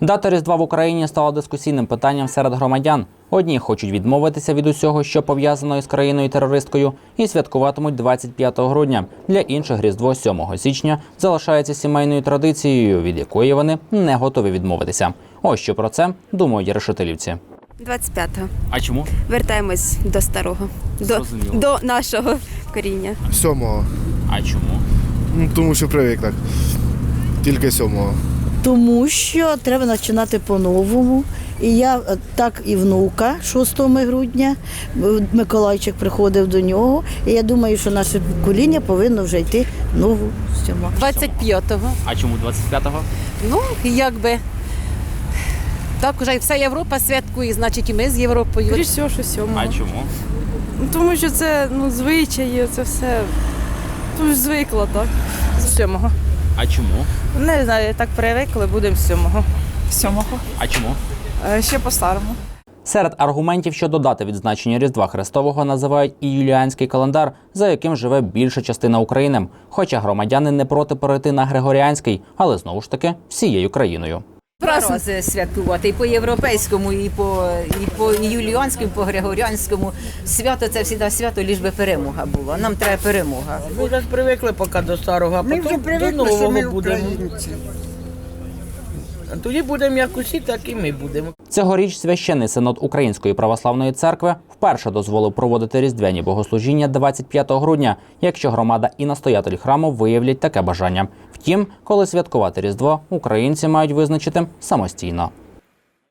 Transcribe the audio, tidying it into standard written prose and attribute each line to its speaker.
Speaker 1: Дата Різдва в Україні стала дискусійним питанням серед громадян. Одні хочуть відмовитися від усього, що пов'язано із країною-терористкою, і святкуватимуть 25 грудня. Для інших Різдво 7 січня залишається сімейною традицією, від якої вони не готові відмовитися. Ось що про це думають решетилівці.
Speaker 2: 25-го.
Speaker 1: А чому?
Speaker 2: Вертаємось до старого, до нашого коріння.
Speaker 3: 7-го.
Speaker 1: А чому?
Speaker 3: Тому що привик так. Тільки 7-го.
Speaker 4: Тому що треба починати по-новому. І я так і внука 6 грудня, Миколайчик приходив до нього. І я думаю, що наше покоління повинно вже йти в нову стіму.
Speaker 5: 25-го.
Speaker 1: А чому 25-го?
Speaker 5: Ну, якби. Так уже вся Європа святкує, значить і ми з Європою.
Speaker 6: Скоріше всього, що 7-го.
Speaker 1: А чому?
Speaker 6: Тому що це звичаї, це все звикла, так.
Speaker 7: 7-го.
Speaker 1: А чому?
Speaker 7: Не знаю, так привикли, будемо 7-го.
Speaker 6: 7-го.
Speaker 1: А чому?
Speaker 6: Ще по-старому.
Speaker 1: Серед аргументів щодо дати відзначення Різдва Христового називають і юліанський календар, за яким живе більша частина України. Хоча громадяни не проти перейти на григоріанський, але знову ж таки всією країною.
Speaker 8: Два рази святкувати і по європейському, і по юліанському, і по григоріанському. Свято це завжди свято, лиш би перемога була. Нам треба перемога.
Speaker 9: Ми вже привикли поки до старого, а потім до нового будемо. Тоді будемо як усі, так і ми будемо.
Speaker 1: Цьогоріч священний синод Української православної церкви вперше дозволив проводити різдвяні богослужіння 25 грудня, якщо громада і настоятель храму виявлять таке бажання. Втім, коли святкувати Різдво, українці мають визначити самостійно.